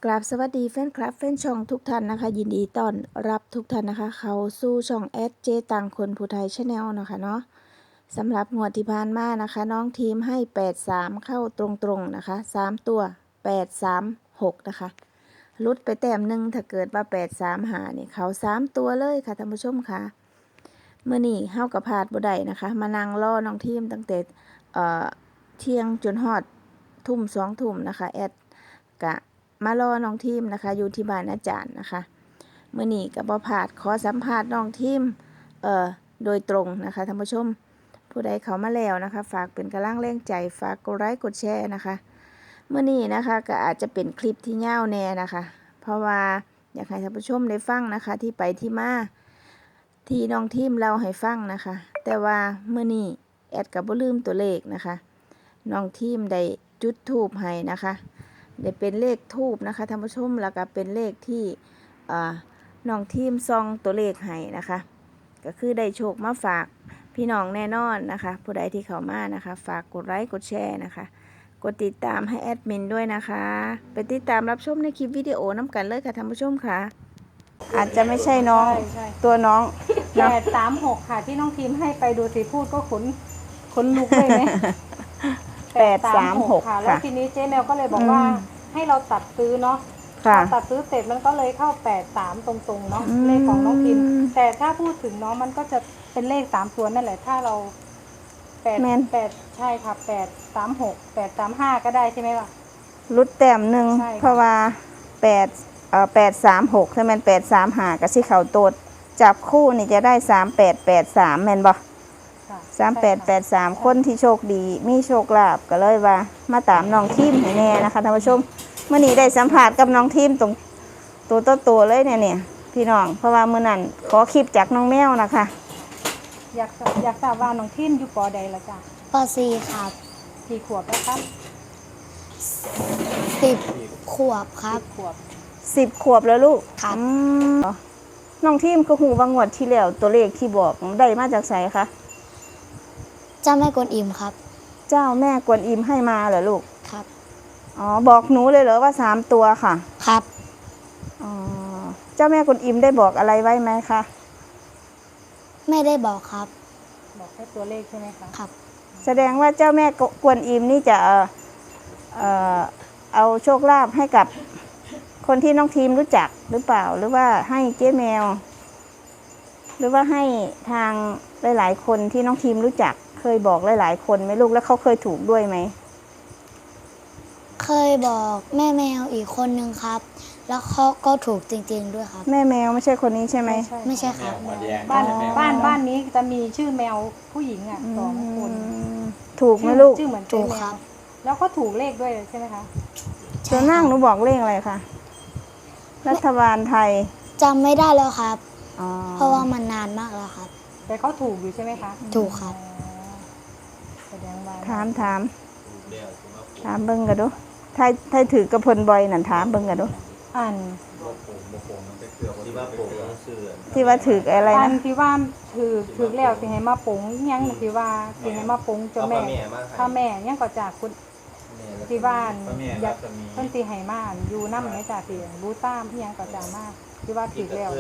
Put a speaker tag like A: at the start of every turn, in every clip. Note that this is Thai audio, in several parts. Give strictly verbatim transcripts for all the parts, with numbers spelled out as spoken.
A: กราบสวัสดีแฟนคลับแฟนช่องทุกท่านนะคะยินดีต้อนรับทุกท่านนะคะเขาสู่ช่องแอดเจตังคนผู้ไทยชาแนลนะคะเนาะสำหรับงวดที่ผ่านมานะคะน้องทีมให้แปดสามเข้าตรงๆนะคะสามตัวแปดสามหกนะคะลุดไปแต้มหนึ่งถ้าเกิดว่าแปดสามหาเนี่ยเขาสามตัวเลยค่ะท่านผู้ชมค่ะเมื่อนี้เฮากับพาดบ่ได้นะคะมานั่งรอน้องทีมตั้งแต่เอ่อเที่ยงจนฮอดทุ่มสองทุ่มนะคะแอดกะมารอน้องทีมนะคะอยู่ที่บ้านอาจารย์นะคะเมื่อนี้กับบ่พลาดขอสัมภาษณ์น้องทีมเอ่อโดยตรงนะคะท่านผู้ชมผู้ใดเข้ามาแล้วนะคะฝากเป็นกำลังแรงใจฝากกดไลค์กดแชร์นะคะเมื่อนี้นะคะก็อาจจะเป็นคลิปที่ยาวแน่นะคะเพราะว่าอยากให้ท่านผู้ชมได้ฟังนะคะที่ไปที่มาที่น้องทีมเล่าให้ฟังนะคะแต่ว่าเมื่อนี้แอดกับบ่ลืมตัวเลขนะคะน้องทีมได้จุดธูปให้นะคะได้เป็นเลขทูบนะคะท่านผู้ชมแล้วก็เป็นเลขที่น้องทีมซองตัวเลขให้นะคะก็คือได้โชคมาฝากพี่น้องแน่นอนนะคะผู้ใดที่เข้ามานะคะฝากกดไลค์กดแชร์นะคะกดติดตามให้แอดมินด้วยนะคะไปติดตามรับชมในคลิปวิดีโอน้ำกันเลยค่ะท่านผู้ชมค่ะอาจจะไม่ใช่น้องตัวน้อง
B: แปดสามหกค่ะที่น้องทีมให้ไปดูสิพูดก็ขนขนลุกเลยไหม
A: แปดสามหก
B: ค่ะแล้วทีนี้เจ๊แมวก็เลยบอกว่าให้เราตัดซื้อเนาะตัดซื้อเสร็จมันก็เลยเข้าแปดสามตรงๆเนาะเลขของน้องทีมแต่ถ้าพูดถึงเนาะมันก็จะเป็นเลขสามตัวนั่นแหละถ้าเราแปดแปดใช่ค่ะแปดสามหกแปดสามห้าก็ได้ใช่ไหมล่ะ
A: รุดแต้มหนึ่งเพราะว่าแปดเอ่อแปดสามหกถ้ามันแปดสามหากับที่เขาโตดจับคู่นี่จะได้สามแปดแปดสามแม่นบ่สามแปดแปดสามคนที่โชคดีมีโชคลาภก็เลยว่ามาตามน้องทีมให้แน่นะคะท่านผู้ชมเมื่อนี้ได้สัมผัสกับน้องทีมตรงตัวโตโตเลยเนี่ยเนี่ยพี่น้องเพราะว่าเมื่อนั้นขอคลิปจากน้องแมวนะคะ
B: อยากอยากทราบว่าน้องทีมอยู่ปอใดละจ้ะ
C: ปอสี่ครับ
B: กี่ขวบแล้วครับ
C: สิบขวบครับ
B: ขวบ
A: สิบขวบแล้วลูก
C: ครับ
A: น้องทีมก็หูว่างวดที่แล้วตัวเลขที่บอกได้มาจากไสคะ
C: เจ้าแม่กวนอิมครับ
A: เจ้าแม่กวนอิมให้มาเหรอลูก
C: ครับ
A: อ๋อบอกหนูเลยเหรอว่าสามตัวค่ะ
C: ครับ
A: อ๋อเจ้าแม่กวนอิมได้บอกอะไรไว้ไหมคะ
C: ไม่ได้บอกครับ
B: บอกแค่ตัวเลขใช่ไหมคะ
C: ครับ
A: แสดงว่าเจ้าแม่กวนอิมนี่จะเอ่อเอ่อเอาโชคลาภให้กับคนที่น้องทีมรู้จักหรือเปล่าหรือว่าให้เจ๊แมวหรือว่าให้ทางหลายๆคนที่น้องทีมรู้จักเคยบอกหลายๆคนไหมลูกแล้วเขาเคยถูกด้วยไหม
C: เคยบอกแม่แมวอีกคนนึงครับแล้วเขาก็ถูกจริงๆด้วยครับ
A: แม่แมวไม่ใช่คนนี้ใช่ไหม
C: ไม่ใช่ครับ
B: บ้านบ้านบ้านนี้จะมีชื่อแมวผู้หญิงอ่ะสองคน
A: ถูกไหมลูก
B: ชื่อเหมือน
C: ถูกครับ
B: แล้วก็ถูกเลขด้วยใช่ไหมคะ
A: ตัวนั่งหนูบอกเลขอะไรคะรัฐบาลไทย
C: จำไม่ได้แล้วครับเพราะว่ามันนานมากแล้วครับ
B: แต่เขาถูกอยู่ใช่ไหมคะ
C: ถูกครับ
A: ถามถามถามเบิ้งกันดูไทยไทยถือกระพลบอยนั่นถามเบิ้งกันดู
B: อัน
A: ที่ว่าถืออะไรนะอั
B: นที่ว่าถือถือแล้วสิให้มาปงยังที่ว่าสิให้มาปงเจ้าแม่พ่อแม่ยังก็จากคุณที่บ้านอยากเพิ่นสิให้มาอยู่นำแม่จ่าเสียงบูต้ามยังก็จากมากที่ว่าถือแล้ว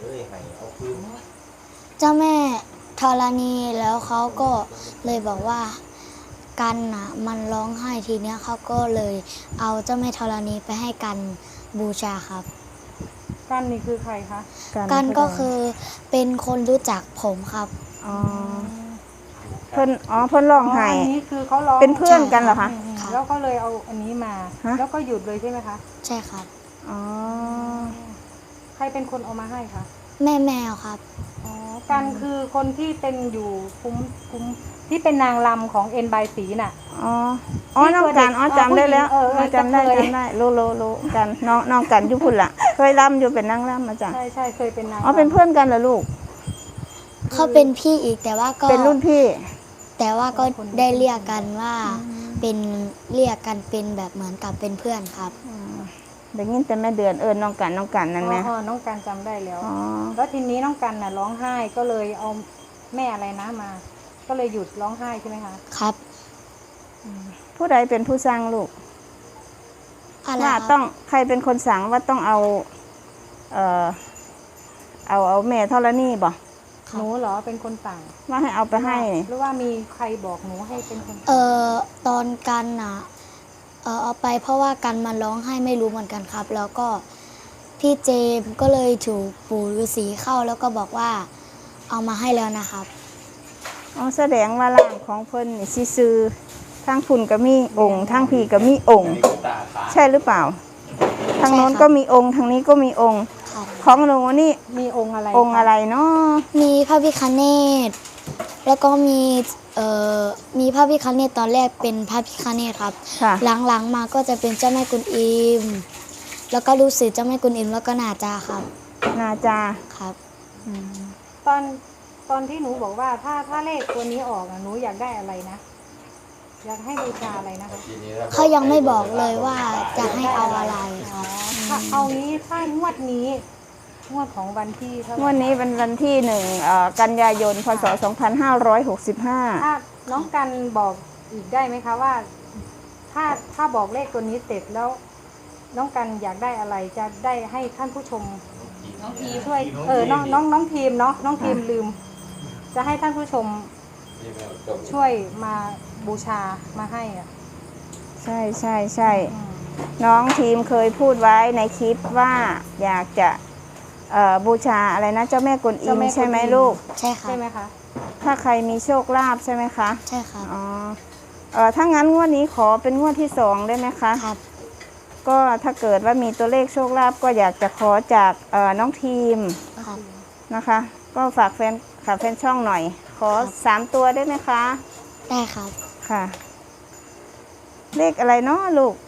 C: เจ้าแม่ธรณีแล้วเขาก็เลยบอกว่ากันนะมันร้องไห้ทีเนี้ยเขาก็เลยเอาเจ้าแม่ธรณีไปให้กันบูชาครับ
B: กันนี่คือใครคะ
C: กันก็คือเป็นคนรู้จักผมครับ
A: อ๋อเพิ่นอ๋อเพิ่นร้องไห้
B: อันนี้คือเขาร้อง
A: เป็นเพื่อนกันเหรอคะ
B: แล้วก็เลยเอาอันนี้มาแล้วก็หยุดเลยใช่ไหมคะ
C: ใช่ครับ
A: อ๋อ
B: ใครเป็นคนเอามาให้คะ
C: แม่แมวครับ
B: อ๋อกันคือคนที่เป็นอยู่คุ้มคุ้มที่เป็นนางรำของเอ็นบายสีน่ะ
A: อ๋ออ๋อน้องกันอ๋อจำได้แล้วจำได้จำได้รู้รู้รู้กันน้องน้องกันอยู่พุ่นล่ะเคยรำอยู่เป็นนางรำมาจ้ะ
B: ใช่ใช่เคยเป็นนาง
A: อ๋อเป็นเพื่อนกันเหรอลูก
C: เขาเป็นพี่อีกแต่ว่าก็
A: เป็นรุ่นพี่
C: แต่ว่าก็ได้เรียกกันว่าเป็นเรียกกันเป็นแบบเหมือนกับเป็นเพื่อนครับ
A: เดี๋ยวนี้แต่แม่เดือนเอิญน้องกันน้องกันนั่นไหม
B: อ๋อน้องกันจำได้แล้วแล้วทีนี้น้องกันน่ะร้องไห้ก็เลยเอาแม่อะไรนะมาก็เลยหยุดร้องไห้ใช่ไหมคะ
C: ครับ
A: ผู้ใดเป็นผู้สร้างลูก
C: อะไร
A: ว่า
C: ครับ
A: ต้องใครเป็นคนสั่งว่าต้องเอาเอ่อเอาเอาแม่ธรณีบ่
B: หนูเหรอเป็นคนสั่ง
A: ว่าให้เอาไปให้
B: หรือว่ามีใครบอกหนูให้เป็นคน
C: เอ่อตอนกันอ่ะเออเอาไปเพราะว่ากันมันร้องไห้ไม่รู้เหมือนกันครับ แล้วก็พี่เจมส์ก็เลยถูกปู่ฤาษีเข้าแล้วก็บอกว่าเอามาให้แล้วนะครับ
A: อ๋อแสดงว่าร่างของเพิ่นนี่สิซื้อทางพุ่นก็มีองค์ทางพี่ก็มีองค์ ใช่หรือเปล่า ทางโน้น
C: ใช่ครับ
A: ก็มีองค์ทางนี้ก็มีองค์
C: ครับ
A: ของหนูนี่
B: มีองค์อะไร
A: องค์อะไรเนาะ
C: มีพระพิฆเนศแล้วก็มีเอ่อมีพระพิฆเนศตอนแรกเป็นพระพิฆเนศครับ
A: ค่ะ
C: หลังๆมาก็จะเป็นเจ้าแม่กุนอิม แล้วก็รู้สึกเจ้าแม่กุนอิมแล้วก็นาจาครับ
A: นาจา
C: ครับ
A: อืม
B: ตอนตอนที่หนูบอกว่าถ้าถ้าเลขตัวนี้ออกอะหนูอยากได้อะไรนะ อยากให้บูชาอะไรนะคะ
C: เขายังไม่บอกเลยว่าจะให้เอาอะไรครับ
B: ถ้าเอางี้ถ้างวดนี้งวดของวันที่เท่าไหร่
A: งวดนี้เป็นวันที่หนึ่งเอ่อกันยายนพศสองพันห้าร้อยหกสิบห้า
B: ถ้าน้องกันบอกอีกได้ไหมคะว่า ถ้าถ้าบอกเลขตัวนี้เสร็จแล้ว น้องกันอยากได้อะไรจะได้ให้ท่านผู้ชมน้องทีช่วยเออน้องน้องน้องทีมเนาะน้องทีมลืม จะให้ท่านผู้ชมช่วยมาบูชามาให้อ่ะ
A: ใช่ใช่ใช่
B: อืม
A: น้องทีมเคยพูดไว้ในคลิปว่าอยากจะเอ่อบูชาอะไรนะเจ้าแม่กวนอิมใช่ไหมลูก
C: ใช่ครับ
B: ใช่ไหมคะ
A: ถ้าใครมีโชคลาภใช่ไหมคะ
C: ใช่ครับ
A: อ๋อเออถ้างั้นงวดนี้ขอเป็นงวดที่สองได้ไหมคะ
C: ครับ
A: ก็ถ้าเกิดว่ามีตัวเลขโชคลาภก็อยากจะขอจากเอ่อน้องทีม
C: ครับ
A: นะคะ ก็ฝากแฟนฝากแฟนช่องหน่อย ขอสามตัวได้ไหมคะ
C: ได้ครับ
A: ค่ะ เลขอะไรเนาะลูก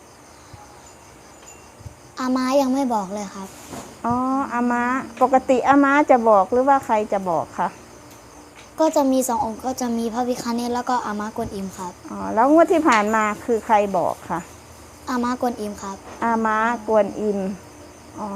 C: อาม้ายังไม่บอกเลยครับ
A: อ๋ออาม้าปกติอาม้าจะบอกหรือว่าใครจะบอกคะ
C: ก็จะมีสององค์ก็จะมีพระพิฆเนศแล้วก็อาม้ากวนอิมครับ
A: อ๋อแล้วงวดที่ผ่านมาคือใครบอกคะ
C: อาม้ากวนอิมครับ
A: อาม้ากวนอิมอ๋อ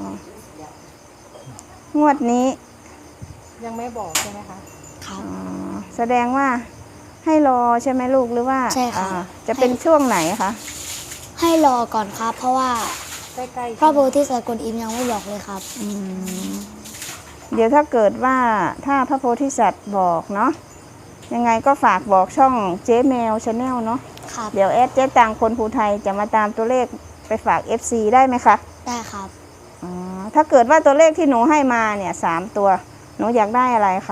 A: งวดนี้
B: ยังไม่บอกใช่ไหมคะ
C: ครับ
A: อ๋อแสดงว่าให้รอใช่ไหมลูกหรือว่า
C: ใช่ค่ะ
A: อ่าจะเป็นช่วงไหนคะ
C: ให้รอก่อนครับ เพราะว่า
B: ใกล้ๆ
C: พระโพธิสัตว์กวนอิมยังไม่บอกเลยครับ
A: อืมเดี๋ยวถ้าเกิดว่าถ้าพระโพธิสัตว์บอกเนาะยังไงก็ฝากบอกช่องเจ๊แมวชาแนลเนาะ
C: ครับ
A: เดี๋ยวแอดเจ๊ตังคนภูไทยจะมาตามตัวเลขไปฝาก เอฟ ซี ได้ไหมคะ
C: ได้ครับ
A: อ๋อถ้าเกิดว่าตัวเลขที่หนูให้มาเนี่ยสามตัว หนูอยากได้อะไรคะ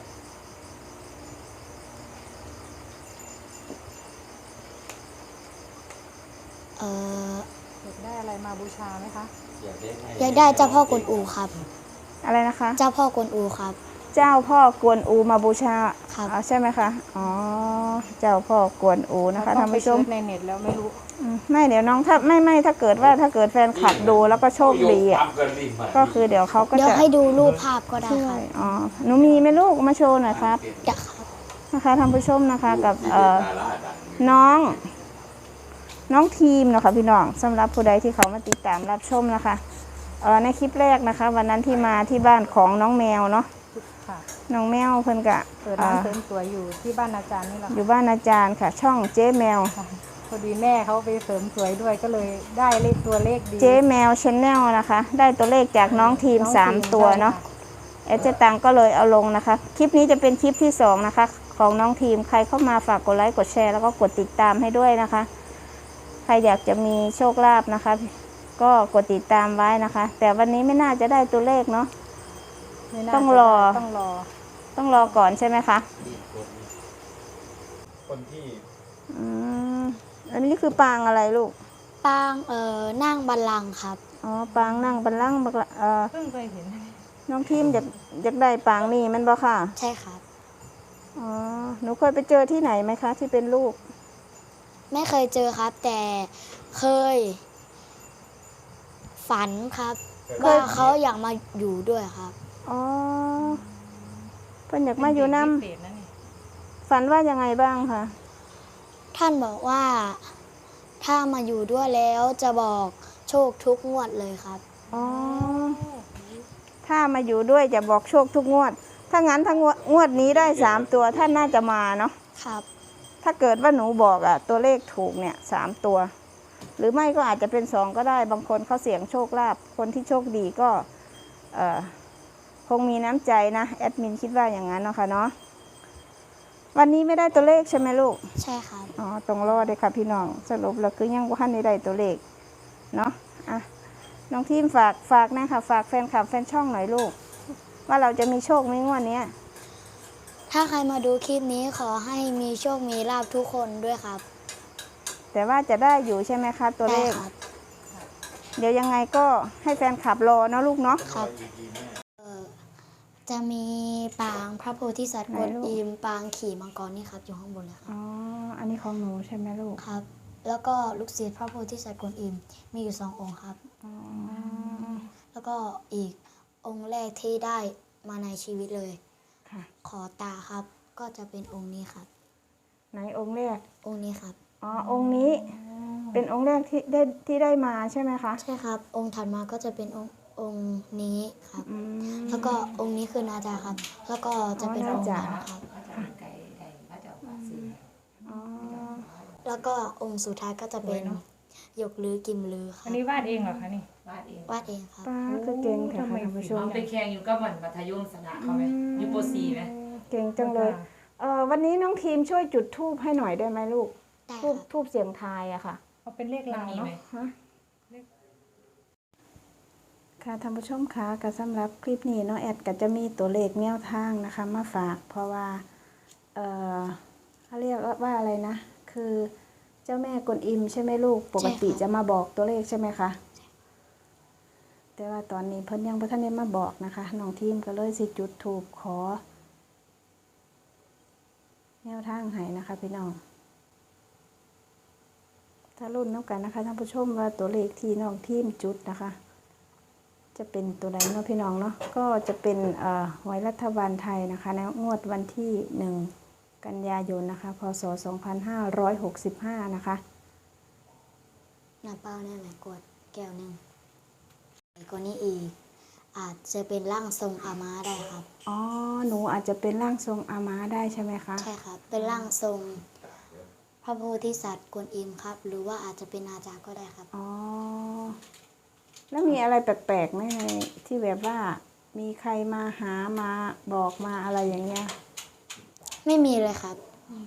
C: เอ่อ
B: อยากได้อะไรมาบูชาไหมคะ
C: อยากได้เจ้าพ่อกวนอูครับ
A: อะไรนะคะ
C: เจ้าพ่อกวนอูครับ
A: เจ้าพ่อกวนอูมาบูชา
C: ครับ
A: อ๋อใช่ไหมคะอ๋อเจ้าพ่อกวนอูนะคะ
B: ต้อ
A: ท่าง น
B: ไป
A: ผู้ช
B: เซิ
A: ม
B: ร์ชในเน็ตแล้วไม่รู้
A: อืมไม่เดี๋ยวน้องถ้าไม่ไม่ถ้าเกิดว่าถ้าเกิดแฟนคลับดูแล้วก็โชคดีอ่ะก็คือเดี๋ยวเขาก็
C: เดี๋ยว
A: จะ
C: ให้ดูรูปภาพก็ได้
A: ช่ว
C: ครับ
A: ยอ๋อหนูมีไหมลูกมาโชว์หน่อยครับ
C: อยากครับ
A: นะคะท่านผู้ชมนะคะกับเอ่อน้องน้องทีมเนาะคะพี่น้องสำหรับผู้ใดที่เขามาติดตามรับชมนะคะเอ่อในคลิปแรกนะคะ วันนั้นที่มาที่บ้านของน้องแมวเนาะ
B: ค่ะ
A: น้องแมวเพิ่นกะ
B: เปิดร้านเสริมสวยอยู่ที่บ้านอาจารย์นี่แหละ
A: อยู่บ้านอาจารย์ค่ะ ช่องเจ๊แมว
B: ค่ะพอดีแม่เขาไปเสริมสวยด้วยก็เลยได้เลขตัวเลขดี
A: เจ๊แมวชแนลนะคะ ได้ตัวเลขจากน้องทีม
B: น้อง
A: สาม
B: ที
A: ตัว
B: ได้
A: เนาะ
B: ค่
A: เอเจตังก็เลยเอาลงนะคะ คลิปนี้จะเป็นคลิปที่สองนะคะ ของน้องทีมใครเข้ามาฝากกดไลค์กดแชร์แล้วก็กดติดตามให้ด้วยนะคะ ใครอยากจะมีโชคลาภนะคะ ก็กดติดตามไว้นะคะ แต่วันนี้ไม่น่าจะได้ตัวเลขเนาะ
B: ไม่น่า
A: ต้อง
B: จะ
A: รอ
B: ได้ต้องรอ
A: ต้องรอก่อนใช่ไหมคะ
D: คนที่
A: อืมอันนี้คือปางอะไรลูก
C: ปางเอ่อนั่งบัลลังก์ครับ
A: อ๋อปางนั่งบัลลังก์บักละเอ่อ
B: เพิ่งเคยเห็น
A: น้องทีมอยากอยากได้ปางนี่มันบ่ค่ะ
C: ใช่ครับ
A: อ๋อหนูเคยไปเจอที่ไหนไหมคะ ที่เป็นรูป
C: ไม่เคยเจอครับ แต่เคย ฝันครับ
A: เคย
C: ว่าเขาอยากมาอยู่ด้วยครับ
A: อ๋อเพิ่นอยากมาอยู่น้
B: เศษนะนี่
A: ำฝันว่ายังไงบ้างคะ
C: ท่านบอกว่าถ้ามาอยู่ด้วยแล้วจะบอกโชคทุกงวดเลยครับ
A: อ๋อถ้ามาอยู่ด้วยจะบอกโชคทุกงวด ถ้างั้นถ้างวดงวดนี้ได้สามตัวท่านน่าจะมาเนาะ
C: ครับ
A: ถ้าเกิดว่าหนูบอกอะตัวเลขถูกเนี่ยสามตัวหรือไม่ก็อาจจะเป็นสองก็ได้บางคนเขาเสี่ยงโชคลาภคนที่โชคดีก็เอ่อคงมีน้ำใจนะแอดมินคิดว่าอย่างนั้นเนาะค่ะเนาะวันนี้ไม่ได้ตัวเลขใช่ไหมลูก
C: ใช่ครับ
A: อ๋อตรงรอดเลยค่ะพี่น้องสรุปแล้วคือยังว่าท่านได้ได้ตัวเลขเนาะอ่ะน้องทีมฝากฝากนะคะฝากแฟนคลับแฟนช่องหน่อยลูกว่าเราจะมีโชคไหมงวดเนี้ย
C: ถ้าใครมาดูคลิปนี้ขอให้มีโชคมีลาภทุกคนด้วยครับ
A: แต่ว่าจะได้อยู่ใช่ไหมคะตัวเล
C: ได้
A: ข
C: ครับ
A: เดี๋ยวยังไงก็ให้แฟนคลับรอเนาะลูกเนาะ
C: ครับเอ่อจะมีปางพระโพธิสัตว์กวนอิมปางขี่มังกรนี่ครับอยู่ข้างบนเลยครับ
A: อ๋ออันนี้ของหนูใช่ไหมลูก
C: ครับ แล้วก็ลูกศิษย์พระโพธิสัตว์กวนอิมมีอยู่สององค์ครับ
A: อ๋อ
C: แล้วก็อีกองค์แรกที่ได้มาในชีวิตเลย
A: ค่ะ
C: ขอตาครับ ก็จะเป็นองค์นี้ครับ
A: ไหนองค์แรก
C: องค์นี้ครับ
A: อ๋อองค์นี้เป็นองค์แรกที่ได้ที่ได้มาใช่ไหมคะ
C: ใช่ครับ องค์ถัดมาก็จะเป็นองค์องค์นี้ครับ
A: อืม
C: แล้วก็องค์นี้คือนาจาครับ แล้วก็จะเป็น
A: อ๋อ
C: องค์
A: นาจา
C: นั้นครับ
A: อ๋อ
C: แล้วก็องค์สุดท้ายก็จะเป็นหยกลือกิมลือครั
B: อั
C: บ
B: นนี้วาดเองเหรอคะนี่
D: วาดเอง
C: วาดเองครับ
A: ป้าคือเก่งแถวค่ะท่านผู้ชม
D: น้องไปแข่งอยู่กับวันมัธยมสนะเขาไหมอยู่ปสี่ไหม
A: เก่งจังเลยเออวันนี้น้องทีมช่วยจุดธูปให้หน่อยได้ไหมลูก
C: ได้
A: ทูบ
C: ครับ
A: ทูบเสียงทายอะค่ะ
B: เอาเป็นเลข
D: มัน
B: ลาว
D: มี
B: เนาะ
D: ไหม
A: ฮะค่ะท่านผู้ชมคะก็สำหรับคลิปนี้เนาะแอดก็จะมีตัวเลขแนวทางนะคะ มาฝาก เพราะว่าเออเขาเรียกว่าอะไรนะ คือเจ้าแม่กวนอิมใช่ไหมลูกปกติจะมาบอกตัวเลขใช่ไหมคะแต่ว่าตอนนี้เพิ่นยังบ่ทันได้มาบอกนะคะน้องทีมก็เลยสิจุดธูปขอ แนวทางให้นะคะพี่น้อง ถ้ารุ่นน้ำกันนะคะท่านผู้ชมว่าตัวเลขที่น้องทีมจุดนะคะ จะเป็นตัวใดเนาะพี่น้องเนาะก็จะเป็นเอ่อหวยรัฐบาลไทยนะคะในงวดวันที่หนึ่งกันยายนนะคะพศสองพันห้าร้อยหกสิบห้านะคะ
C: หน้าเป้าเนี่ยแหละกดแก้วหนึ่งไอ้กว่านี้อีก อาจจะเป็นร่างทรงอาม้าได้ครับ
A: อ๋อหนูอาจจะเป็นร่างทรงอาม้าได้ใช่ไหมคะ
C: ใช่ครับ เป็นร่างทรงพระโพธิสัตว์กวนอิมครับ หรือว่าอาจจะเป็นนาจาก็ได้ครับ
A: อ๋อแล้วมีอะไรแปลกๆไหมในที่แบบว่ามีใครมาหามาบอกมาอะไรอย่างเงี้ย
C: ไม่มีเลยครับ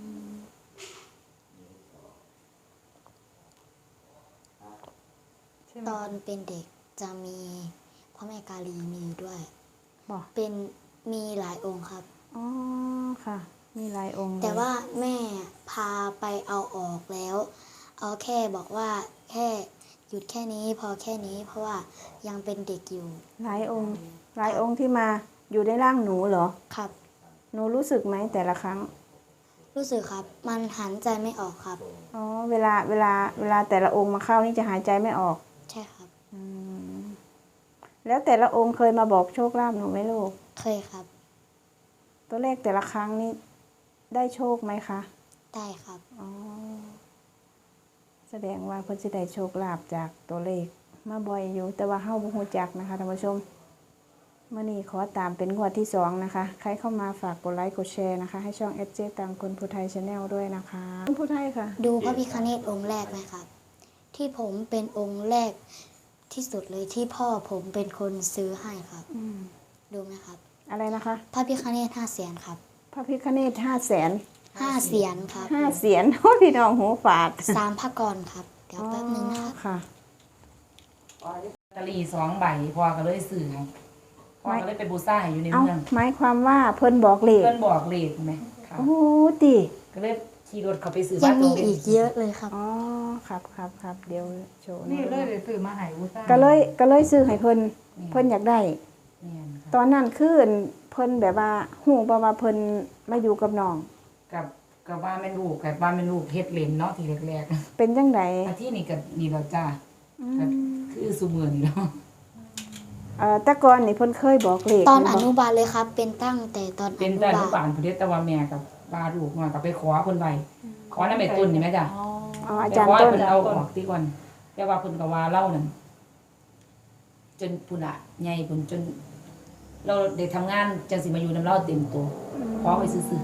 C: ตอนเป็นเด็กจะมีพระแม่กาลีมีอยู่ด้วย
A: บอก
C: เป็นมีหลายองค์ครับ
A: อ๋อค่ะ มีหลายองค์เลย
C: แต่ว่าแม่พาไปเอาออกแล้ว เอาแค่บอกว่าแค่หยุดแค่นี้พอแค่นี้เพราะว่ายังเป็นเด็กอยู่
A: หลายองค์หลายองค์ที่มาอยู่ในร่างหนูเหรอ
C: ครับ
A: หนูรู้สึกไหมแต่ละครั้ง
C: รู้สึกครับ มันหันใจไม่ออกครับ
A: อ๋อเวลาเวลาเวลาแต่ละองค์มาเข้านี่จะหายใจไม่ออก
C: ใช่ครับ
A: อืมแล้วแต่ละองค์เคยมาบอกโชคลาภหนูไหมลูก
C: เคยครับ
A: ตัวเลขแต่ละครั้งนี่ได้โชคไหมคะ
C: ได้ครับ
A: อ๋อแสดงว่าเพิ่นสิได้โชคลาภจากตัวเลขมาบ่อยอยู่ แต่ว่าเฮาบ่ฮู้จักนะคะท่านผู้ชมมื้อนี้ขอตามเป็นงวดที่สองนะคะ ใครเข้ามาฝากกดไลค์กดแชร์นะคะ ให้ช่อง เอส เจ ตังคนผู้ไทย Channel ด้วยนะคะคนผู้ไทยค่ะ
C: ดูพระพิฆเนศองค์แรกไหมครับ ที่ผมเป็นองค์แรกที่สุดเลยที่พ่อผมเป็นคนซื้อให้ครับ
A: อืม
C: ดูไหมครับ
A: อะไรนะคะ
C: พระพิฆเนศห้าเสียนครับ
A: พระพิฆเนศห้าแสน
C: ห้าเสียนครับ
A: ห้าเสียน โอ้พี่น้องหูฝาด
C: สามพระกรครับ เดี๋ยวแป๊บนึงนะครับ
A: ค่ะ
D: ตะลีสองใบพ่อก็เลยสื่อให้พ่อก็เลยไปบูซ่าอยู่ใน
A: เอ้า
D: เมือง
A: หมายความว่าเพิ่นบอกเลข
D: เพื่อนบอกเลขไหมค่ะ
A: โอ้ติ
D: ก็เลยขี่รถเขาไปสื่อ
C: ยั
D: บ้าง น
C: มีอีกเยอะเลยครับ
A: อ๋อครับครับครับเดี๋ยวโชว์
B: นี่เลยเลยซื้อมาใหายอุซ่า
A: ก็เลยก็เลยซื้อให้เพิ่นเพิ่นอยากได้
D: เนี่ยค่ะ
A: ตอนนั้นคือเพิ่นแบบว่าฮู้บ่ว่าเพิ่นมาอยู่กับน้อง
D: กับกับว่าแม่นลูกกับว่าแม่นลูกเฮ็ดเลนเนาะทีแรก
A: เป็นจังได
D: ๆอาที่นี่กับนี่เราจ้า
A: อื
D: ก็
A: ม
D: คือสุมือนี่เนาะ
A: เอ่อแต่ก่อนนี่เพิ่นเคยบอกเลข
C: ตอนอ
A: บ่
C: นุบาลเลยครับ เป็นตั้งแต่ตอนอ
D: เป็น
C: นุ
D: แต่
C: บา
D: ทุ
C: ล
D: กบ้านพุ่นเด้แต่ว่าแม่กับว่าลูกมาก็ไปขอเพิ่นไว้ขอนำแม่ตุนนี่แม่จ้ะ
B: อ๋อ
A: อ๋ออา
D: แต่
A: จารย์
D: ขอให้
A: ต้น
D: เพิ่นเอาออกที่ก่อนแต่ว่าเพิ่นก็ว่าเล่านั่นจนพุ่นน่ะใหญ่พุ่นจน เราได้ทำงานจังสิมาอยู่นำเราเต็มตัวขอไว้ซื่อ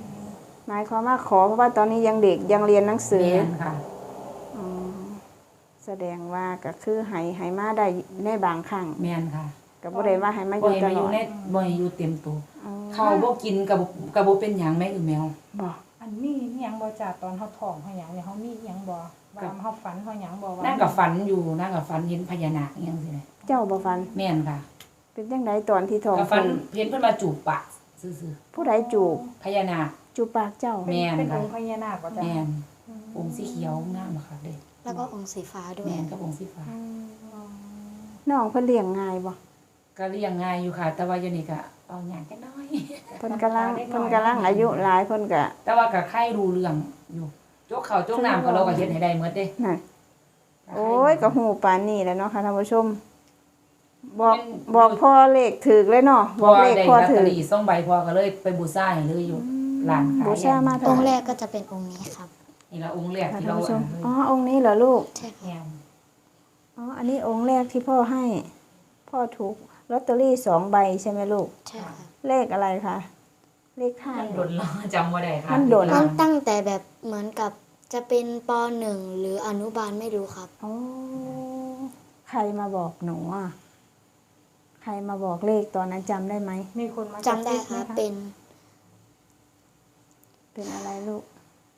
A: หมายความว่าขอเพราะว่าตอนนี้ยังเด็กยังเรียนหนัง
D: ๆ
A: สือ
D: แม่นค่ะ
A: อ๋อแสดงว่าก็คือให้ให้มาได้ในบางครั้ง
D: แม่นค่ะ
A: ก็บ่ได้ว่าให้มาอ
D: บ่
A: ยู่
D: ให้
A: ต
D: มาอ
A: ล
D: ยู่
A: อด
D: ในบ่ให้อยู่เต็มตัว
A: อ๋อ
D: เขาบ่กินกับกับบ่เป็นหยังแม่อือแมว
A: บ่
B: อันมีอิหยังบ่จ้าตอนเฮาท้องเฮาหยังเนี่ยเฮามีอิหยังบ่ว่าเฮาฝันเฮาหยังบ่ว่า
D: นั่งกับฝันอยู่นั่งกับฝันเห็นพญานาคอหยังซี่แหละ
A: เจ้าบ่ฟัน
D: แม่นค่ะ
A: เป็นจังไดตอนที่ท้อง
D: กับฝัน
A: เพิ่น
D: เห็นเพิ่นมาจูบปากซื่อ
A: ผู้ใดจูบ
D: ๆพญานาค
A: จูบปากเจ้า
D: แม่น
B: เป็น
D: ค่ะ
B: องค์พญานาคบ่จ้า
D: แม่นองค์สีเขียวงามอะค่ะเด้
C: แล้วก็องค์สีฟ้าด้วย
D: แม่นกับองค์สีฟ้า
A: น้องเพิ่นเลี้ยงง่ายบ่
D: ก็เลี้ยงง่ายอยู่ค่ะ แต่ว่าอยู่นี่ก็เอาหยังกันน้อย
A: เพิ่นกำลังเพิ่นกำลังอายุหลายเพิ่นก็
D: แต่ว่าก็ใครรู้เรื่องอยู่จกข้าวจกน้ำก็เราก็เฮ็ดให้ได้หมดเด้
A: นั่นโอ้ยก็ฮู้ปานนี้แหล้วเนาะค่ะท่านผู้ชม บอก
D: มัน
A: บอกพ่อเลขถูกเลยเนาะ
D: พ
A: บ
D: อ
A: อกเลข
D: ได้
A: พ่อ
D: ลอต
A: ถู
D: เตอก รี่สองใบพอก็เลยไปบูชาให้เลยอยู่ร้านขาย
A: บูชามา
C: อ
A: เท่าง
C: ค์
A: ไห
C: แร
A: ร่
C: กก็จะเป็นองค์นี้ครับ
D: นี่ละองค์แรก
A: ค่ะ
D: ที่
A: ท่าน
D: เรา
A: ผู้ช
D: อั
A: ม
D: นเลย
A: อ๋อองค์นี้เหรอลูก
C: ใช่ค
D: แม่
C: รับ
D: น
A: อ๋ออันนี้องค์แรกที่พ่อให้ พ่อถูกลอตเตอรี่สองใบใช่ไหมลูก
C: ใช่ครับ
A: เลขอะไรคะเลขท้าย
D: มันโดนแล้วจำบ่ได้ค่ะ
A: มันโดน
C: ตั้งตั้งแต่แบบเหมือนกับจะเป็นปหนึ่งหรืออนุบาลไม่รู้ครับ
A: โอ้ใครมาบอกหนูอ่ะใครมาบอกเลขตอนนั้นจำได้ไหม
B: มีคนมา
C: จำได้ครับ
B: กะซิ
C: เป็น
A: เป็นอะไรลูก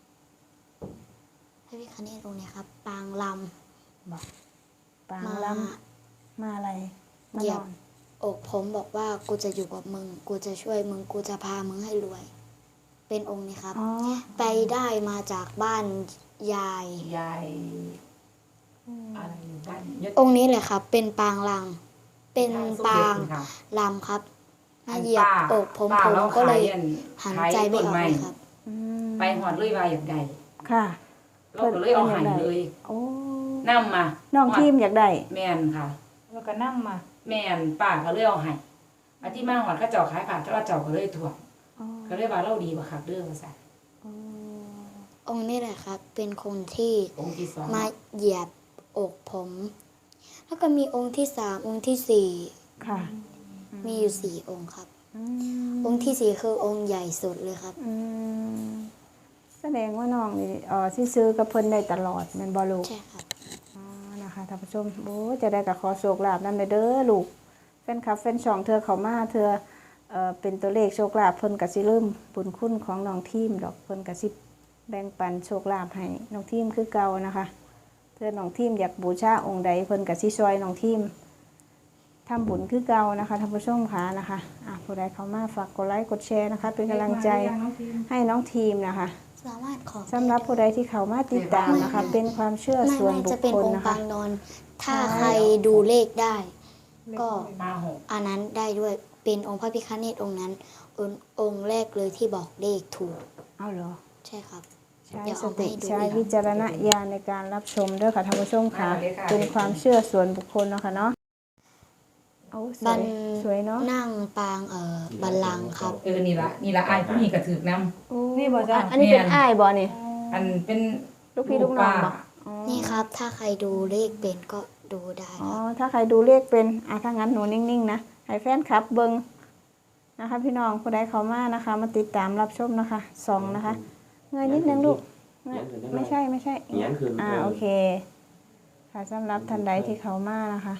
C: พระพิฆเนศองค์นี้ครับ ปางล
A: ปาง
C: ำมา
A: ล้ำมาอะไรมา
C: เหยี
A: น
C: ย
A: อบ น
C: อกผมบอกว่ากูจะอยู่กับมึง กูจะช่วยมึง กูจะพามึงให้รวย เป็นองค์นี้ครับ
A: อ๋อ
C: ไปได้มาจากบ้านยาย
D: ยายอะไรอยู่บ้านยศ
C: องค์นี้แหละครับ เป็นปางลัง เป็น
D: ยย
C: ปาง
D: สมเด็จค่ะ
C: ลำครับ
D: อั
C: มาน เหยียบอกผม
D: ป้า
C: ผม
D: เรา
C: ก็เลย
D: ขายอัน
C: หัน
D: ขาย
C: ใจไม่ออก
D: ต้น
C: เลยครับ
A: อืม
D: ไปหอดเลยว่าอยากได้
A: ค่ะ
D: เราก็เลยเอาใหายเลย
A: โอ้
D: นำมา
A: น้องทีมอยากได้
D: แม่นค่ะ
B: แล้วก็นำมา
D: แม่นป้าก็เลยเอาให้อาที่มาหอดเขาเจ้าขายผ่านเจ้าเจ้าก็เลยถ่วง
A: อ๋อ
D: ก็เลยว่าเราดีบ่คักเด้อว่าซั่น
A: อ๋อ
C: องค์นี้แหละครับ เป็นคนที่
D: องค์ที่สอง
C: มาเหยียบอกผม แล้วก็มีองค์ที่สามองค์ที่สี่
A: ค่ะ
C: มีอยู่สี่องค์ครับ
A: อืม
C: องค์ที่สี่คือองค์ใหญ่สุดเลยครับ
A: อืมแสดงว่าน้องนี่เออที่ซื้อกับเพิ่นได้ตลอดแม่นบ่ลูก
C: ใช่ครับ
A: อ๋อนะคะท่านผู้ชมโอ้จะได้กับขอโชคลาภนำเด้อลูกแฟนคลับแฟนช่องเธอเขามาเธอเอ่อเป็นตัวเลขโชคลาภเพิ่นก็สิลืมบุญคุณของน้องทีมดอกเพิ่นก็สิแบ่งปันโชคลาภให้น้องทีมคือเก่านะคะเธอน้องทีมอยากบูชาองค์ใดเพิ่นก็สิช่วยน้องทีมทำบุญคือเก่านะคะท่านผู้ชมค่ะนะคะอ่ะผู้ใดเข้ามาฝากกดไลค์กดแชร์นะคะ เป็นกำลังใจให้น้องทีมนะคะ
C: สามารถขอ
A: สำหรับผู้ใดที่เข้ามาติดตามนะคะ เป็นความเชื่อ
C: ไม่
A: ส่วน
C: ไม่
A: บุ
C: จะ
A: ค
C: เป็น
A: คล
C: องค์
A: นะคะ
C: ปางนอน ถ้าใครดูเลขได้ ก็
D: มาหก
C: อันนั้นได้ด้วยเป็นองค์พระพิฆเนศองค์นั้น องค์องค์แรกเลยที่บอกเลขถูก
A: เอาเหรอ
C: ใช่ครับ
A: ใช้
C: เดี๋ยว
A: ส
C: เอาไป
A: ติ
C: ให้ดู
A: ใช้
C: อีก
A: วิจารณญาณในการรับชมด้วยค่ะท่านผู้ชมค่ะ เป็นความเชื่อส่วนบุคคลเนาะค่ะเนาะเอาส
C: บั
A: วย
C: น
A: สวยเนาะ
C: นั่งปางเอ่อบัลลังก์ครับ
D: เออนี่ละนี่ละอ้ายผู้นี้ก็ถือนำ
A: โอ้
B: นี่บ่จ้ะ
A: อันนี้เป็น
D: แม่น
A: อ้ายบ่นี่
D: อันเป็น
A: ลูกพี่ลูกน้องบ่อ๋อ
C: นี่ครับ ถ้าใครดูเลขเป็นก็ดูได้
A: อ๋อ
C: ครับ
A: ถ้าใครดูเลขเป็นอ่ะถ้างั้นหนูนิ่งๆนะให้แฟนคลับเบิ่งนะคะ พี่น้องผู้ใดเข้ามานะคะ มาติดตามรับชมนะคะสองนะคะเงยนิดนึงลูกเงยไม่ใช่ไม่ใช่
E: อย่างนั้นคือ
A: อ่าโอเค ค่ะสำหรับท่านใดที่เขามานะคะ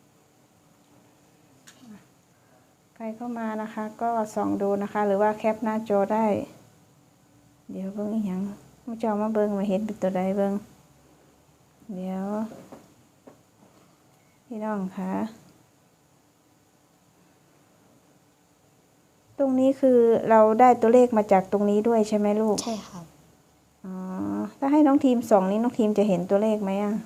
A: ใครเข้ามานะคะ ก็ส่องดูนะคะ หรือว่าแคปหน้าจอได้ เดี๋ยวเบิ้งอีหยังมาเจ้ามาเบิ้งมาเห็นเป็นตัวใดเบิ้งเดี๋ยวพี่น้องคะตรงนี้คือเราได้ตัวเลขมาจากตรงนี้ด้วยใช่ไหมลูก
C: ใช่ครับ
A: อ๋อ ถ้าให้น้องทีมส่องนี้น้องทีมจะเห็นตัวเลขไหมอ่ะ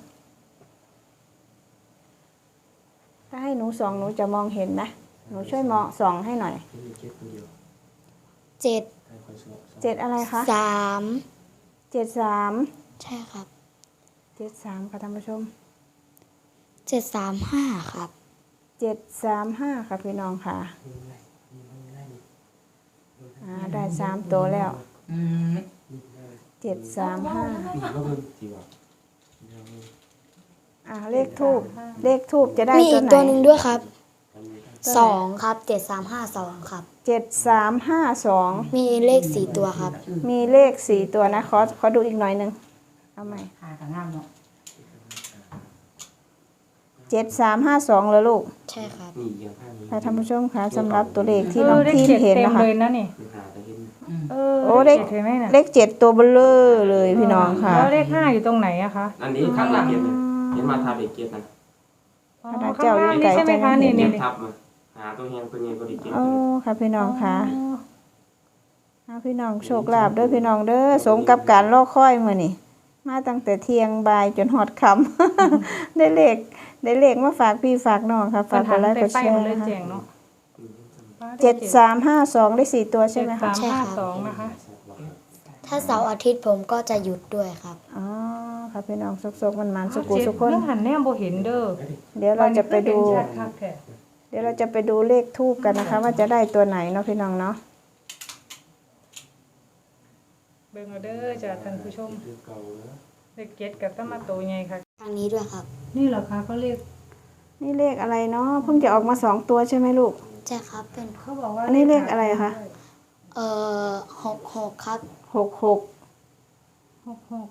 A: ถ้าให้หนูส่องหนูจะมองเห็นนะ หนูช่วยมองส่องให้หน่อย
E: มีเจ็ดคนเดียว
C: เจ็ด
E: ให้คอยสอบสอบ
A: เจ็ดอะไรคะ
C: สาม
A: เจ็ดสาม
C: ใช่ครับ
A: เจ็ดสามค่ะท่านผู้ชม
C: เจ็ดสามห้าครับ
A: เจ็ดสามห้าค่ะพี่น้องค่ะ
E: มีอะไรมีมันไม่ได้มี
A: อ่า ได้สามตัวแล้ว
D: อืม
E: มีอะไร
A: เจ็ดสามห้า
E: มีก็เพิ่มจีวะเดี๋ยวมี
A: อ่า เลขทูบเลขทูบจะได้
C: มี
A: ตั
C: อี
A: ว
C: ก
A: ไหน
C: ตัวหนึ่งด้วยครับ
E: ทำมีได้
A: ตัวไหน
C: สองครับเจ็ดสามห้าสองครับ
A: เจ็ดสามห้าสอง
C: มีเลขสี่ตัวครับ
A: มีเลขสี่ตัวนะ ขอ ขอดูอีกหน่อยหนึ่งเอาใหม่
D: หากับงามเนาะ
A: เจ็ดสามห้าสองแล้วลูก
C: ใช่ครับ
E: นี่อย่างท่านนี้
A: ค่ะท่านผู้ชมคะสำหรับตัวเลขที่
B: เอ
A: น้อ
B: อง เลข
A: ทีม
B: เจ็ด
A: เห็น
B: เต็ม
A: นะคะ
B: เลยนะนี่
E: มันหาแต่เห็น
B: เออ
A: โอ้เลข
B: จ็ดเห็นไหมน่ะ
A: เลขเจ็ดตัวเบลเลอร์เลยพี่น้องค่ะ
B: แล้วเลขห้าอยู่ตรงไหนอะคะ
E: อันนี้ทับเลขเกียรตินะเห็นมาทับเลขเกียรตินะ
B: อ๋อ
A: ขนาด
B: ข้า
A: เจ้าง อยู่
B: ล่าง
A: ไกล
B: นี่ใช่ไหมคะ
A: จัง
B: นี่
E: เกีย
B: นี่
E: รติทับมาหาตัวเฮียนตัวเฮียนตัวเลขเกียรติ
A: โอ้ค่ะพี่น้องค่ะ
B: อ๋อ
A: เอาพี่น้องโชคลาภเด้อพี่น้องเด้อสมกับการรอคอยมื้อนี้มาตั้งแต่เที่ยงบ่ายจนฮอดค่ำ ได้เลขได้เลขมาฝากพี่ฝากน้องค่ะฝากกดไลค์กดแชร์
B: เลย
A: นะคะ
B: แจงเนาะ
A: เจ็ดสามห้าสองได้สี่ตัวใช่ไหม
B: เจ็ด
A: คะ
B: สามห้าสองนะคะ
C: ถ้าเสาร์อาทิตย์ผมก็จะหยุดด้วยครับ
A: อ๋อค่ะพี่น้องสุกๆมันๆสุกุ
B: เจ็ด
A: สุกคน
B: เรื่องหันแนมโบเห็นเด้อ
A: เดี๋ยวเราจะไปดู
B: วันนี้เห็นชัคักแท้
A: เดี๋ยวเราจะไปดูเลขทูบกันนะคะ ว่าจะได้ตัวไหนเนาะพี่น้องเนาะ
B: เบิ่งเอาเด้อจ้ะท่านผู้ชม
E: เลขเก่าแล้ว
B: เลขเจ็ดกับตะมาโตไงค่ะ
C: ทางนี้ด้วยครับ
B: นี่เหรอคะเขาเรียก
A: นี่เลขอะไรเนาะเพิ่งจะออกมาสองตัวใช่ไหมลูก
C: ใช่ครับ เป็น
B: เขาบอกว่า
A: อันนี้เลขอะไรคะ
C: เอ่อหกหกครับ
A: หกหก
B: หกหก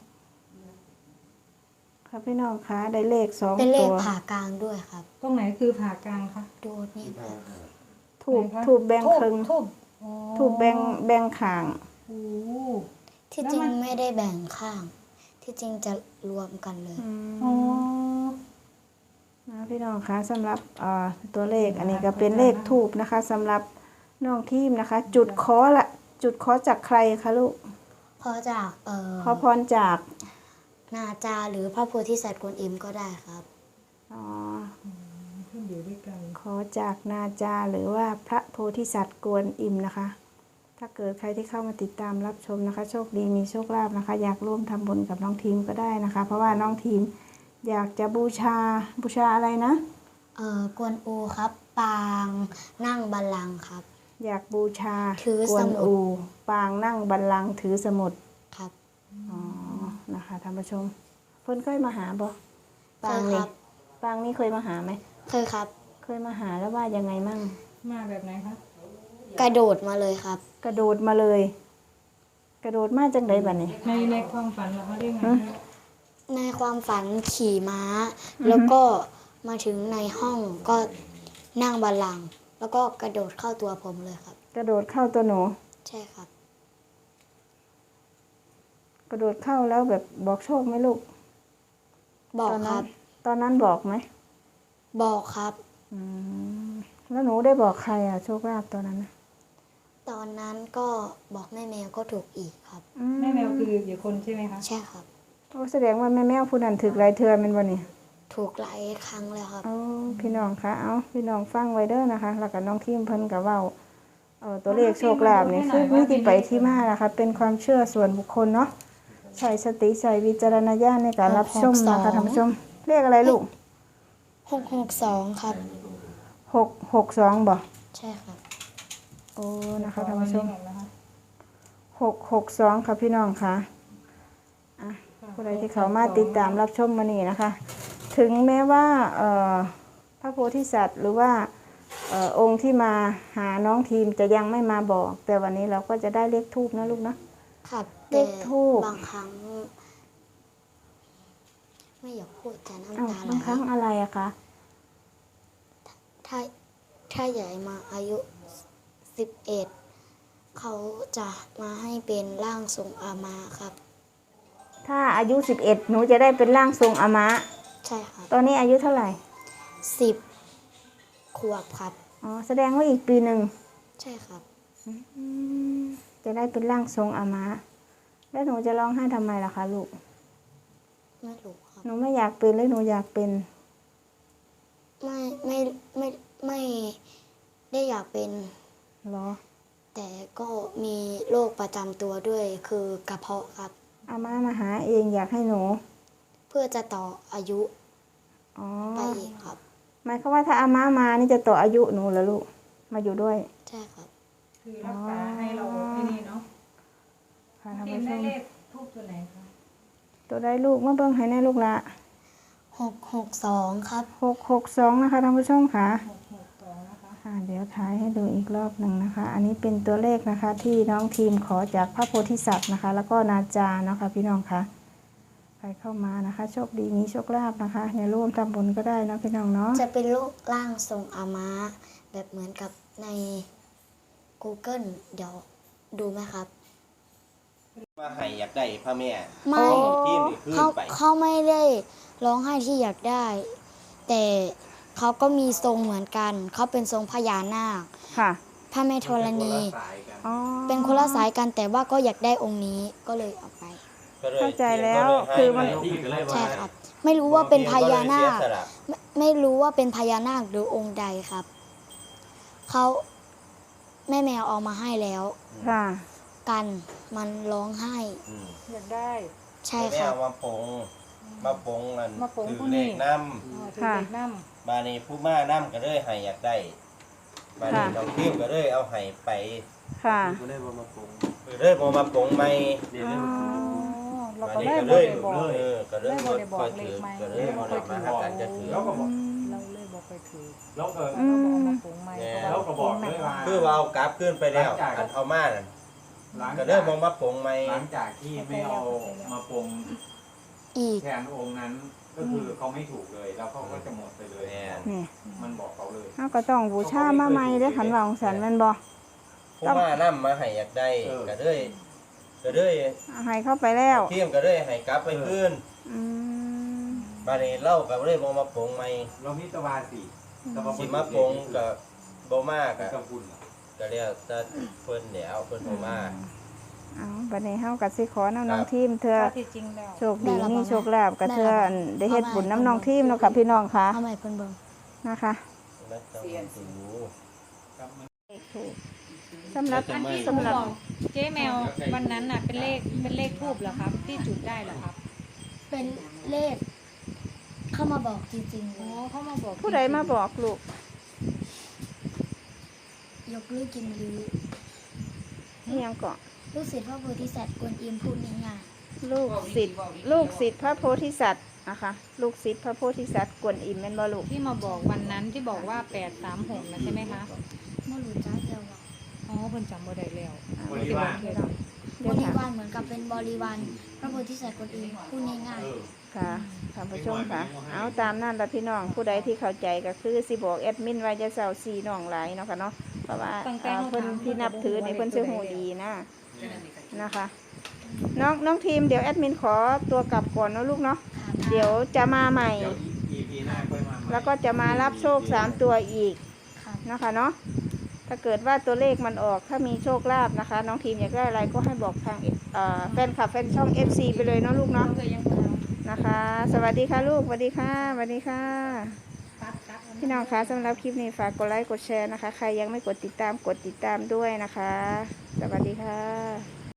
A: ค่ะพี่น้องคะได้เลขสอง
C: เป็นเล
A: ตั
C: ข
A: ว
C: ผ่ากลางด้วยครับ
B: ตรงไหนคือผ่ากลางคะ
C: ดูนี่ครับ
A: ถูก
B: ไหนคะ
A: ถูกแบ่งครึ่ง
B: ทูบอ๋อ
A: ถูกแบ่งแบ่งขาง
B: โอ้
C: ที่จริงไม่ได้แบ่งข้าง ที่จริงจะรวมกันเลย
A: อืม
B: อ๋อ
A: นะพี่น้องคะสำหรับเอ่อตัวเลขอันนี้ก็เป็นเลขทูบนะคะสำหรับน้องทีมนะคะ จุดขอละจุดขอจากใครคะลูก
C: เพราะจากเอ่อ
A: ขอพรจาก
C: นาจาหรือพระโพธิสัตว์กวนอิมก็ได้ครับ
A: อ๋อ
B: ขึ้นอยู่ด้วยกัน
A: ขอจากนาจาหรือว่าพระโพธิสัตว์กวนอิมนะคะ ถ้าเกิดใครที่เข้ามาติดตามรับชมนะคะ โชคดีมีโชคลาภนะคะ อยากร่วมทำบุญกับน้องทีมก็ได้นะคะ เพราะว่าน้องทีมอยากจะบูชาบูชาอะไรนะ
C: เอ่อกวนอูครับ ปางนั่งบัลลังก์ครับ
A: อยากบูชา
C: ถือก
A: ว
C: ส
A: น
C: มุด
A: อูปางนั่งบัลลังก์ถือสมุด
C: ครับ
A: อ๋อนะคะท่านผู้ชมเพิ่นเคยมาหาบ่
C: เค
A: ปาง
C: ยค
A: นี่
C: รับ
A: ปางนี่เคยมาหาไหม
C: เคยครับ
A: เคยมาหาแล้วว่ายังไงมั่ง
B: มาแบบไหนคะ
C: กระโดดมาเลยครับ
A: กระโดดมาเลย กระโดดมาจังไดบัดนี้
B: ในในความฝันเหรอเขาเรียกไง
A: ฮะ
C: ในความฝันขี่ม้า แล้วก็มาถึงในห้องก็นั่งบัลลังก์แล้วก็กระโดดเข้าตัวผมเลยครับ
A: กระโดดเข้าตัวหนู
C: ใช่ครับ
A: กระโดดเข้าแล้วแบบบอกโชคไหมลูก
C: บอก
A: ตอน
C: ค
A: นั้
C: รั
A: น
C: บ
A: ตอนนั้นบอกไหม
C: บอกครับ
A: อืมแล้วหนูได้บอกใครอ่ะโชคลาภตอนนั้นน่ะ
C: ตอนนั้นก็บอกแม่แมวก็ถูกอีกครับ
A: อื
B: แม่แมวคืออยู่คนใช่ไหมคะ
C: ใช่ครับ
A: โอ้แสดงว่าแม่แมวผู้นั้นถึกหลายเทื่อแม่นบ่นี่
C: ถูกหลายครั้งแล้วครับ
A: เอาพี่น้องคะเอาพี่น้องฟังไว้เด้อนะคะ แล้วก็น้องทีมเพิ่นก็เว้าเอ่อตัวเลขโชคลาภนี่คือมีที่ไปที่มานะคะ เป็นความเชื่อส่วนบุคคลเนาะใช้สติใช้วิจารณญาณในการรับชมนะคะท่านผู้ชมเลขอะไรลูก
C: หกหกสองครับ
A: หกหกสองบ่
C: ใช่ครับ
A: โอ้นะคะท่านผู้ชม
B: ขอวันนี้ก่อนนะคะ
A: หกหกสองค่ะพี่น้องค่ะอ่ะผู้ใดที่เขามาติดตามรับชมมานี่นะคะ ถึงแม้ว่าเอ่อพระโพธิสัตว์หรือว่าเอ่อองค์ที่มาหาน้องทีมจะยังไม่มาบอก แต่วันนี้เราก็จะได้เลขทูบนะลูกนะครับ เล
C: แต่
A: ขทูป
C: บางครั้ง ไม่อยากพูดแต่น้ำ
A: อ้าว
C: ตาไหล
A: บางครั้งอะไรอะคะ
C: ถ้าถ้าใหญ่มาอายุสิบเอ็ดเขาจะมาให้เป็นร่างทรงอามาครับ
A: ถ้าอายุสิบเอ็ดหนูจะได้เป็นร่างทรงอามะ
C: ใช่ครับ
A: ตอนนี้อายุเท่าไหร่
C: สิบขวบครับ
A: อ๋อแสดงว่าอีกปีหนึ่ง
C: ใช่ครับ
A: อืมจะได้เป็นร่างทรงอามะ แล้วหนูจะร้องไห้ทำไมล่ะคะลูก
C: ไม่รู้ครับ
A: หนูไม่อยากเป็นหรือหนูอยากเป็น
C: ไม่ไม่ไม่ไม่ได้อยากเป็น
A: เหรอ
C: แต่ก็มีโรคประจำตัวด้วยคือกระเพาะครับ
A: อาม่ามาหาเองอยากให้หนู
C: เพื่อจะต่ออายุ
A: อ๋อ
C: ไปอีกครับ
A: หมายความว่าถ้าอาม่ามานี่จะต่ออายุหนูเหรอลูก มาอยู่ด้วย
C: ใช่ครับ
B: คือรักษาให้เราที่นี่เนาะ
A: ค่ะท่าน
B: ทีม
A: ผู้ช
B: ได้
A: ม
B: เลขทูบตัวไหนคะ
A: ตัวได้ลูกมาเบิ่งให้แน่ลูกละ
C: หกหกสองครับ
A: หกหกสองนะคะท่านผู้ชมค่ะ
B: หกหกสองนะคะ
A: ค่ะเดี๋ยวถ่ายให้ดูอีกรอบหนึ่งนะคะ อันนี้เป็นตัวเลขนะคะ ที่น้องทีมขอจากพระโพธิสัตว์นะคะ แล้วก็นาจาเนาะค่ะพี่น้องคะใครเข้ามานะคะ โชคดีมีโชคลาภนะคะอย่าร่วมทำบุญก็ได้นะพี่น้องเนาะ
C: จะเป็นรูปร่างทรงอาม้าแบบเหมือนกับใน Google เดี๋ยวดูไหมครับ
F: มาให้อยากได้พระแม่
C: ไม่
F: ทีมนี่ขึ้น
C: เขา
F: ไป
C: เขาไม่ได้ร้องไห้ที่อยากได้ แต่เขาก็มีทรงเหมือนกัน เขาเป็นทรงพญานาค
A: ค่ะ
C: พระแม่ธรณี
A: อ๋อ
C: เป็นคนละสายกันแต่ว่าก็อยากได้องค์นี้ก็เลยเอาไป
F: ก็ลย
A: เข้าใจแล้ว
F: ก็เยให้
A: คือมัน
E: ที่ก็เลยว่า
C: ใช่ครับ ไม่รู้ว่าเป็นพญานาค
F: ก็เลยเสียสละ
C: ไม่ไม่รู้ว่าเป็นพญานาคหรือองค์ใดครับ เขาแม่แมวเอามาให้แล้ว
A: ค่ะ
C: กันมันร้องไห้
F: อืม
B: อยากได้
C: ใช่
F: แม่
C: ครับ
F: เอามาปงมาปงนั่น
B: มาปง
F: ถือ
B: ผู้
F: เล
B: นี้
F: ขน้
B: อ๋อถือ
A: ค่ะ
B: เด็กน้
F: ำบานี้ผู้มาน้ำก็เลยให้อยากได้บานี้
A: ค่ะ
F: น้องทีมก็เลยเอาให้ไป
A: ค่ะ
E: ก็เลยบ่มาปรุง
F: ก็เลยบ่มาปงใหม่
E: เรียนเลยมาปรุง
B: ำเรา
F: บา
B: ก็
F: นี้
B: เลย
F: ก็
B: บ่
F: เลย
B: ได้บอก
F: เออก็เลย
B: เลยบ่ได้บอก
F: ค่อย
B: เล
F: ถื
B: ข
F: อ
B: ใหม่
F: ก็เลยบ่ได้มาหากันจะถือ
G: แล้วก็บอก
B: เราเลยบอกไปถือ
G: แล้วก็
A: อื
B: เรา
A: ม
B: ก็เอามาปรุงใหม่
F: แน่
B: เพราะ
G: แล้วก็บอกด้วยว่า
F: คือว่าเอากลับขึ้นไปแล้ว
G: หลังจาก
F: อันเอามานั่น
G: หลัง
F: ก็เล
G: จาย ก
F: บ่มาปงใหม่
G: หลังจากที่ไม่เอามาปรง
C: อีก
G: แทนองค์นั้น ก็คือเขาไม่ถูกเลย แล้วเขาก็จะหมดไปเลย
F: แน่
A: นี่
G: มันบอกเขาเลย
A: เขาก็ต้องบูชามาใหม่เด้อขันว่าของสันแมันบ่
F: ผู้มาน้ำมาให้อยากได้ก็เลยก็เลย
A: ให้เข้าไปแล้ว
F: ทีมก็เลยให้กลับไปคืน
A: อืม
F: บานี้เล่าก็เลยบ่มาปงใหม่
G: เราพิตวาสีตะวัน
F: สิมาปงก็บ่มาก
G: กับ
F: ก็
G: คุณ
F: ก็เรียกจะเพิ่นเดี๋ยวเพิ่นบ่มา
A: เอาบัดนี้เฮาก็สิขอนำน้องทีมเธอ
B: ถ้าที่จริงแล้ว
A: โชคดีมีโชคลาภกับเธออันได้เฮ็ดบุญน้ำน้องทีมเนาะค่ะพี่น้องค่ะ
C: เอาใหม่เพิ่นเบิ่ง
A: นะคะ
F: ไม่ต้องสิรู้
A: สำหรับ
F: จะไม่
A: สำหรับ
B: เจ๊แมววันนั้นน่ะเป็นเลขเป็นเลขทูบเหรอครับ ที่จุดได้เหรอครับ
C: เป็นเลข เข้ามาบอกจริงๆเล
B: โอ้
C: ย
B: เขามาบอก
A: ผู้ใดมาบอกลูก
C: ยกลูกกินลือ
A: เฮียงก่อน
C: ลูกศิษย์พ่อโพธิสัตว์กวนอิมพูดง่าย
A: ลูกศิษย์ลูกศิษย์พระโพธิสัตว์นะคะลูกศิษย์พระโพธิสัตว์กวนอิมแม่นบ่ลูก
B: ที่มาบอกวันนั้นที่บอกว่าแปดสามหกนะใช่ไหมคะ
C: ๆเมื่อรู้จ้าเดียวว่า
B: อ๋อเพิ่นจำบ่ได้แล้ว
A: อ่า
G: บริวาร
A: เดี๋ยว
C: บ
A: เดี๋ยว
C: ริ
A: ค่ะ
C: วารเหมือนกับเป็นบริวารพระโพธิสัตว์กวนอิมพูดง่าย
G: เออ
A: ค่ะท่านผู้ชมค่ะ เอาตามนั่นละพี่น้องผู้ใดที่เข้าใจก็คือสิบอกแอดมินไว้จะเศร้าซีน้องหลายเนาะค่ะเนาะเพราะว่า
B: ตั้งแต่
A: เอ่อ
B: เขา
A: เพิ่น
B: ถาม
A: ที่นับถือในเพิ่นสิฮู้ดีนะนะคะ น้องน้องทีมเดี๋ยวแอดมินขอตัวกลับก่อนเนาะลูกเนาะ
C: ๆค่ะ
A: เดี๋ยวจะมาใหม่
G: เดี๋ยว อี พี หน้าค่อยมาใหม่
A: แล้วก็จะมารับโชคสามตัวอีก
C: ค่ะ
A: นะคะเนาะถ้าเกิดว่าตัวเลขมันออกถ้ามีโชคลาภนะคะ น้องทีมอยากได้อะไรก็ให้บอกทางเอ่อแฟนคลับแฟนช่อง เอฟ ซี ไปเลยเนาะลูกเนาะนะคะ สวัสดีค่ะลูกสวัสดีค่ะสวัสดีค่ะ พี่น้องคะสำหรับคลิปนี้ฝากกดไลค์กดแชร์นะคะ ใครยังไม่กดติดตามกดติดตามด้วยนะคะ สวัสดีค่ะ